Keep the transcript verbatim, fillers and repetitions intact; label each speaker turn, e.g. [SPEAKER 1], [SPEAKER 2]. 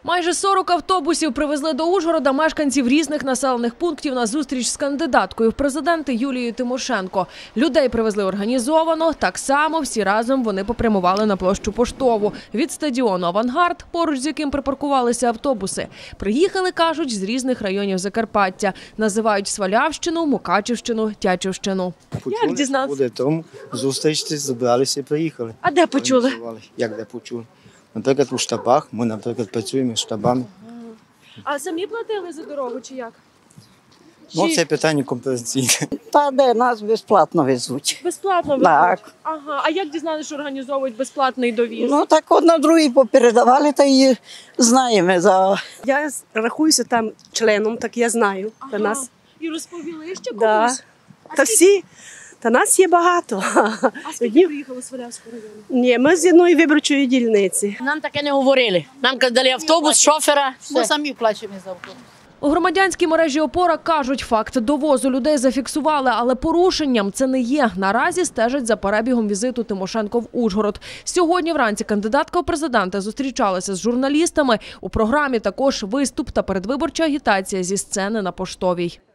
[SPEAKER 1] Майже сорок автобусів привезли до Ужгорода мешканців різних населених пунктів на зустріч з кандидаткою в президенти Юлією Тимошенко. Людей привезли організовано, так само всі разом вони попрямували на площу Поштову. Від стадіону «Авангард», поруч з яким припаркувалися автобуси. Приїхали, кажуть, з різних районів Закарпаття. Називають Свалявщину, Мукачівщину, Тячівщину.
[SPEAKER 2] Як дізнатися? Буде тому зустрічці, збиралися і приїхали.
[SPEAKER 1] А де почули?
[SPEAKER 2] Як де почули? Наприклад, у штабах. Ми, наприклад, працюємо з штабами.
[SPEAKER 1] А самі платили за дорогу чи як?
[SPEAKER 2] Ну, це питання компенсаційне.
[SPEAKER 3] Та де нас безплатно везуть.
[SPEAKER 1] Безплатно везуть?
[SPEAKER 3] Так.
[SPEAKER 1] Ага. А як дізналися, що організовують безплатний довіз?
[SPEAKER 3] Ну так одна другій попередавали, та й знаємо. За...
[SPEAKER 4] Я рахуюся там членом, так я знаю.
[SPEAKER 1] Ага.
[SPEAKER 4] Та нас,
[SPEAKER 1] І розповіли ще комусь?
[SPEAKER 4] да. Та всі, та нас є багато.
[SPEAKER 1] А скільки приїхали з Свалявського району?
[SPEAKER 4] Ні, ми з одної виборчої дільниці.
[SPEAKER 5] Нам таке не говорили. Нам дали автобус, шофера. Ми самі плачемо за автобус.
[SPEAKER 1] У громадянській мережі «Опора» кажуть, факт довозу людей зафіксували, але порушенням це не є. Наразі стежать за перебігом візиту Тимошенко в Ужгород. Сьогодні вранці кандидатка у президенти зустрічалася з журналістами. У програмі також виступ та передвиборча агітація зі сцени на Поштовій.